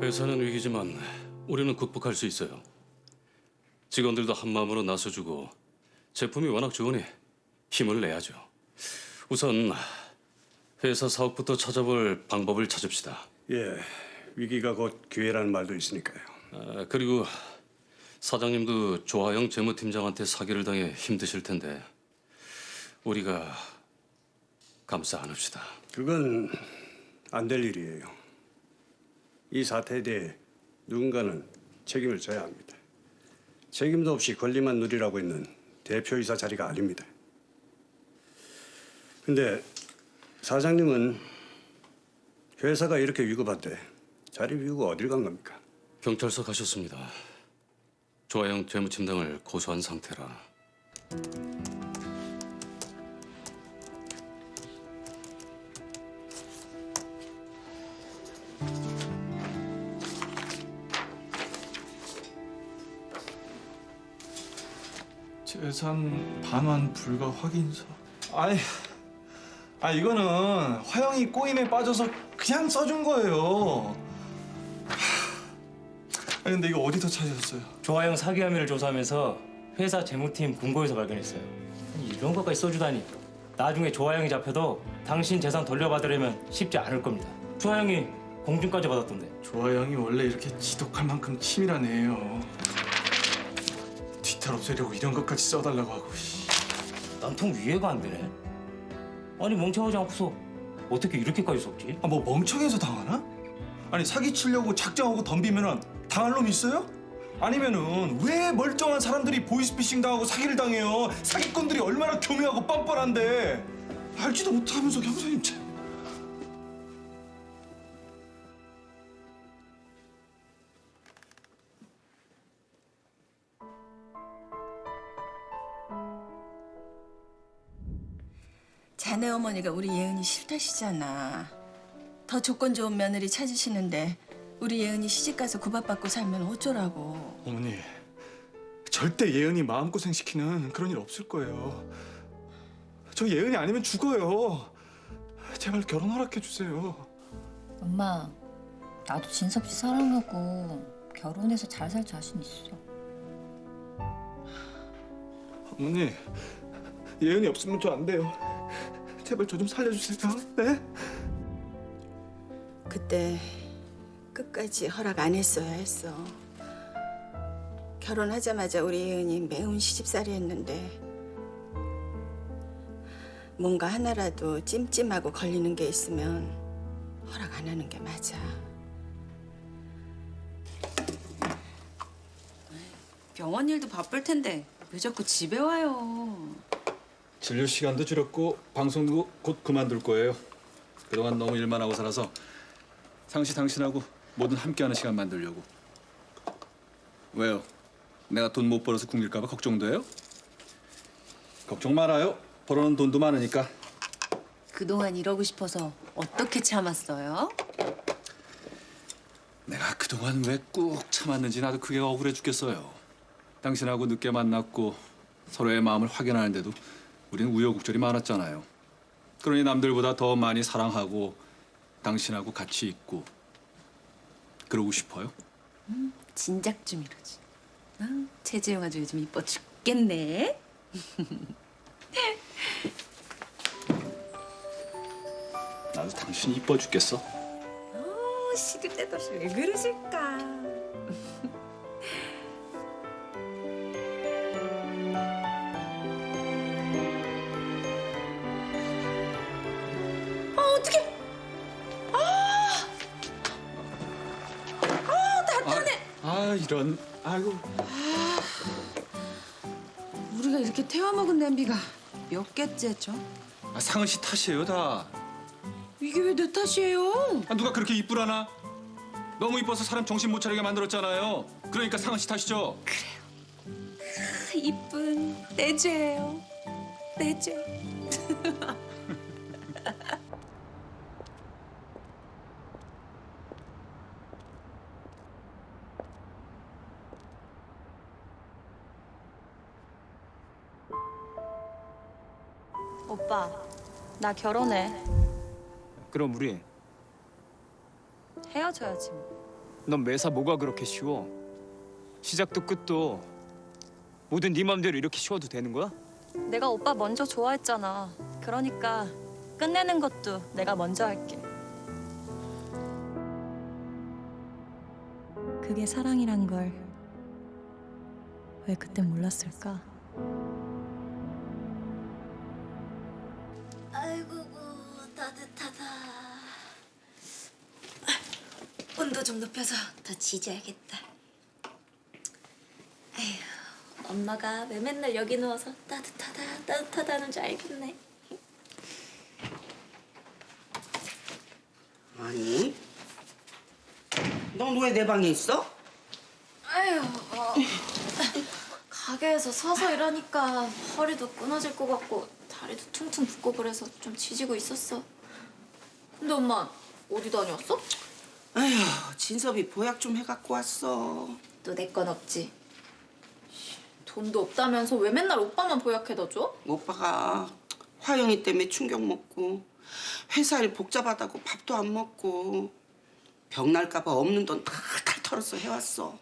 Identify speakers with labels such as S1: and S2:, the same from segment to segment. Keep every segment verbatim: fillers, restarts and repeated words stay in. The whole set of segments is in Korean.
S1: 회사는 위기지만 우리는 극복할 수 있어요. 직원들도 한마음으로 나서주고 제품이 워낙 좋으니 힘을 내야죠. 우선 회사 사업부터 찾아볼 방법을 찾읍시다.
S2: 예, 위기가 곧 기회라는 말도 있으니까요.
S1: 아, 그리고 사장님도 조하영 재무팀장한테 사기를 당해 힘드실 텐데 우리가 감싸 안읍시다.
S2: 그건 안 될 일이에요. 이 사태에 대해 누군가는 책임을 져야 합니다. 책임도 없이 권리만 누리라고 있는 대표이사 자리가 아닙니다. 근데 사장님은 회사가 이렇게 위급한데 자리 비우고 어딜 간 겁니까?
S1: 경찰서 가셨습니다. 조하영 재무팀장을 고소한 상태라.
S3: 재산 반환 불가 확인서. 아이, 아 이거는 화영이 꼬임에 빠져서 그냥 써준 거예요. 아 근데 이거 어디서 찾으셨어요?
S4: 조하영 사기 혐의를 조사하면서 회사 재무팀 금고에서 발견했어요. 아니, 이런 것까지 써주다니. 나중에 조하영이 잡혀도 당신 재산 돌려받으려면 쉽지 않을 겁니다. 조하영이 공증까지 받았던데.
S3: 조하영이 원래 이렇게 지독할 만큼 치밀한 애예요. 뒤탈 없애려고 이런 것까지 써달라고 하고. 씨.
S4: 난 통 이해가 안 되네. 아니 멍청하지 않고서 어떻게 이렇게까지 썼지?
S3: 아, 뭐 멍청해서 당하나? 아니 사기치려고 작정하고 덤비면은 당할 놈 있어요? 아니면은 왜 멀쩡한 사람들이 보이스피싱 당하고 사기를 당해요? 사기꾼들이 얼마나 교묘하고 뻔뻔한데 알지도 못하면서 형사님 참.
S5: 자네 어머니가 우리 예은이 싫다시잖아. 더 조건 좋은 며느리 찾으시는데 우리 예은이 시집가서 구박받고 살면 어쩌라고.
S3: 어머니, 절대 예은이 마음고생 시키는 그런 일 없을 거예요. 저 예은이 아니면 죽어요. 제발 결혼 허락해 주세요.
S6: 엄마, 나도 진섭 씨 사랑하고 결혼해서 잘 살 자신 있어.
S3: 어머니, 예은이 없으면 저 안 돼요. 제발 저 좀 살려주세요. 네?
S5: 그때 끝까지 허락 안 했어야 했어. 결혼하자마자 우리 예은이 매운 시집살이 했는데 뭔가 하나라도 찜찜하고 걸리는 게 있으면 허락 안 하는 게 맞아.
S7: 병원 일도 바쁠 텐데 왜 자꾸 집에 와요?
S8: 진료 시간도 줄였고 방송도 곧 그만둘 거예요. 그동안 너무 일만 하고 살아서 상시 당신하고 뭐든 함께하는 시간 만들려고. 왜요? 내가 돈 못 벌어서 굶길까 봐 걱정돼요? 걱정 말아요. 벌어놓은 돈도 많으니까.
S7: 그동안 이러고 싶어서 어떻게 참았어요?
S8: 내가 그동안 왜 꾹 참았는지 나도 그게 억울해 죽겠어요. 당신하고 늦게 만났고 서로의 마음을 확인하는데도 우리는 우여곡절이 많았잖아요. 그러니 남들보다 더 많이 사랑하고 당신하고 같이 있고 그러고 싶어요.
S7: 음, 진작 좀 이러지. 아, 최재용 아주 요즘 이뻐 죽겠네.
S8: 나도 당신이 이뻐 죽겠어.
S7: 어, 시들 때도 없이 왜 그러실까? 어, 어떡해. 아! 아, 답답해.
S8: 아 이런. 아이고.
S7: 우리가 이렇게 태워먹은 냄비가 몇 개째죠?
S8: 아, 상은 씨 탓이에요 다.
S7: 이게 왜 내 탓이에요?
S8: 아, 누가 그렇게 이쁘라나? 너무 이뻐서 사람 정신 못 차리게 만들었잖아요. 그러니까 상은 씨 탓이죠.
S7: 이쁜 내 죄예요. 내 죄.
S6: 오빠, 나 결혼해.
S9: 그럼 우리
S6: 헤어져야지 뭐.
S9: 넌 매사 뭐가 그렇게 쉬워? 시작도 끝도 모든 네 맘대로 이렇게 쉬워도 되는 거야?
S6: 내가 오빠 먼저 좋아했잖아. 그러니까 끝내는 것도 내가 먼저 할게. 그게 사랑이란 걸 왜 그때 몰랐을까?
S5: 아이고 따뜻하다. 온도 좀 높여서 더 지져야겠다. 에휴, 엄마가 왜 맨날 여기 누워서 따뜻하다 따뜻하다는 줄 알겠네.
S10: 아니, 넌 왜 내 방에 있어?
S11: 아휴, 어, 가게에서 서서 일하니까 허리도 끊어질 것 같고 다리도 퉁퉁 붓고 그래서 좀 지지고 있었어. 근데 엄마 어디 다녀왔어?
S10: 아휴, 진섭이 보약 좀 해갖고 왔어.
S11: 또 내 건 없지. 돈도 없다면서 왜 맨날 오빠만 보약해다 줘?
S10: 오빠가 화영이 때문에 충격 먹고 회사 일 복잡하다고 밥도 안 먹고 병 날까봐 없는 돈 탈탈 털어서 해왔어.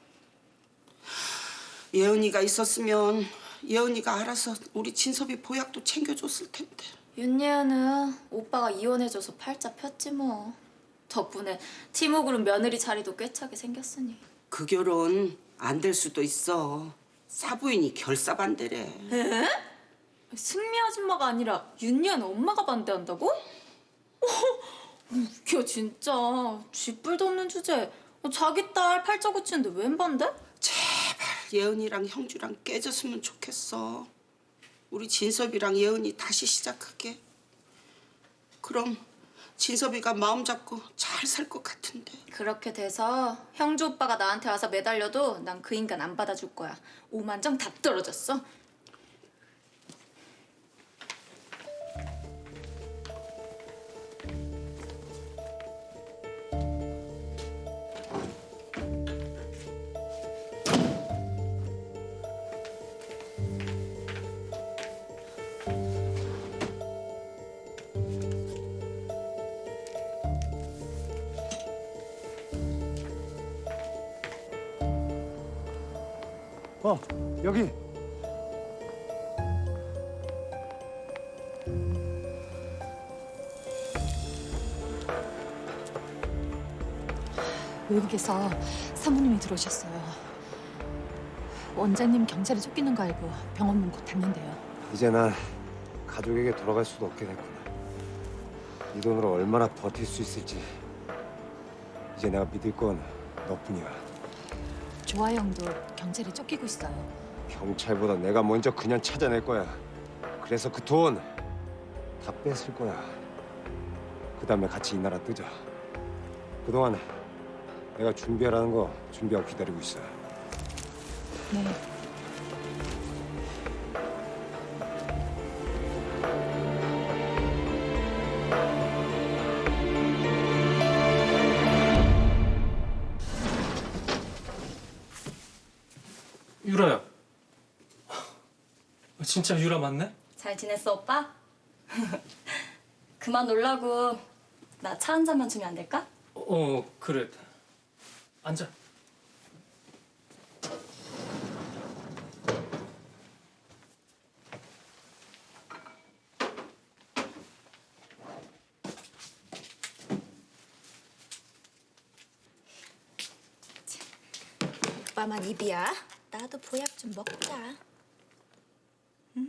S10: 예은이가 있었으면 예은이가 알아서 우리 진섭이 보약도 챙겨줬을 텐데.
S11: 윤예은은 오빠가 이혼해줘서 팔자 폈지 뭐. 덕분에 팀워그룹 며느리 자리도 꿰차게 생겼으니.
S10: 그 결혼 안 될 수도 있어. 사부인이 결사 반대래.
S11: 에? 승미 아줌마가 아니라 윤예은 엄마가 반대한다고? 웃겨 진짜. 쥐뿔도 없는 주제에 자기 딸 팔자 고치는데 웬 반대?
S10: 제발 예은이랑 형주랑 깨졌으면 좋겠어. 우리 진섭이랑 예은이 다시 시작하게. 그럼 진섭이가 마음 잡고 잘 살 것 같은데.
S11: 그렇게 돼서 형주 오빠가 나한테 와서 매달려도 난 그 인간 안 받아줄 거야. 오만정 다 떨어졌어.
S2: 어, 여기.
S12: 외국에서 사모님이 들어오셨어요. 원장님 경찰에 쫓기는 거 알고 병원 문 곧 닫는데요.
S13: 이제 난 가족에게 돌아갈 수도 없게 됐구나. 이 돈으로 얼마나 버틸 수 있을지 이제 내가 믿을 건 너뿐이야.
S12: 조아영도 경찰에 쫓기고 있어요.
S13: 경찰보다 내가 먼저 그냥 찾아낼 거야. 그래서 그 돈 다 뺏을 거야. 그 다음에 같이 이 나라 뜨자. 그동안 내가 준비하라는 거 준비하고 기다리고 있어.
S12: 네.
S4: 유라야. 진짜 유라 맞네?
S6: 잘 지냈어, 오빠? 그만 놀라고 나 차 한 잔만 주면 안 될까?
S4: 어, 그래. 앉아.
S11: 오빠만 입이야. 나도 보약 좀 먹자. 응?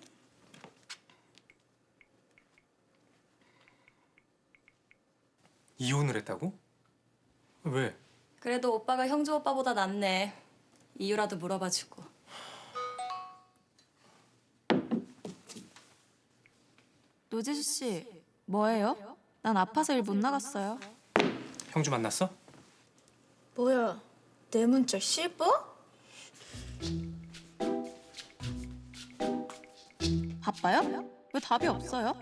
S4: 이혼을 했다고? 왜?
S6: 그래도 오빠가 형주 오빠보다 낫네. 이유라도 물어봐주고.
S11: 노재수 씨, 뭐예요? 난 아파서 일 못 나갔어요.
S4: 형주 만났어?
S11: 뭐야, 내 문자 씹어? 바빠요? 왜 답이 없어요?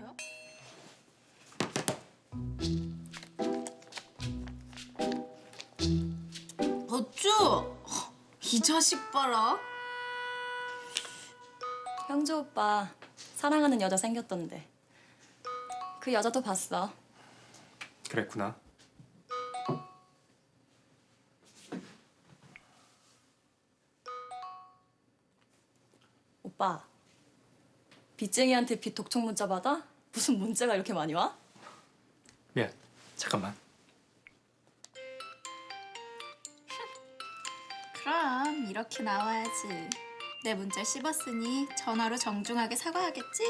S11: 어쭈? 이 자식 봐라.
S6: 형주 오빠 사랑하는 여자 생겼던데. 그 여자도 봤어.
S4: 그랬구나.
S14: 오빠, 빚쟁이한테 빚 독촉 문자 받아? 무슨 문자가 이렇게 많이 와?
S4: 미안. 잠깐만.
S11: 그럼 이렇게 나와야지. 내 문자 씹었으니 전화로 정중하게 사과하겠지?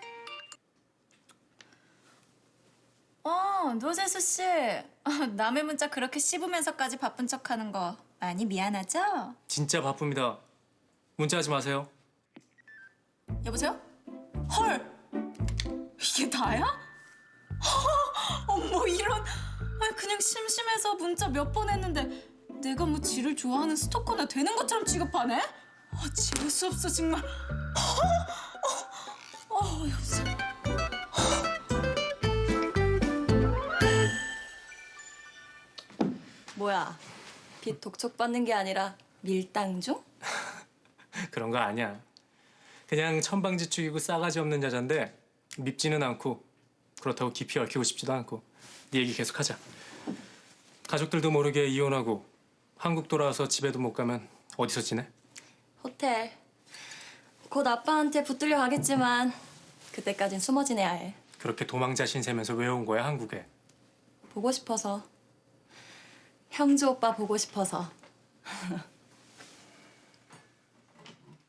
S11: 어, 노재수 씨. 어, 남의 문자 그렇게 씹으면서까지 바쁜 척하는 거 많이 미안하죠?
S4: 진짜 바쁩니다. 문자하지 마세요.
S11: 여보세요? 헐! 이게 다야? 어머 이런. 아니 그냥 심심해서 문자 몇 번 했는데 내가 뭐 지를 좋아하는 스토커나 되는 것처럼 취급하네? 아 지를 수 없어 정말. 어, 어, 여보세요?
S14: 뭐야, 빚 독촉 받는 게 아니라 밀당 중?
S4: 그런 거 아니야. 그냥 천방지축이고 싸가지 없는 여잔데 밉지는 않고 그렇다고 깊이 얽히고 싶지도 않고. 네 얘기 계속하자. 가족들도 모르게 이혼하고 한국 돌아와서 집에도 못 가면 어디서 지내?
S14: 호텔. 곧 아빠한테 붙들려 가겠지만 그때까진 숨어 지내야 해.
S4: 그렇게 도망자 신세면서 왜 온 거야 한국에?
S14: 보고 싶어서. 형주 오빠 보고 싶어서.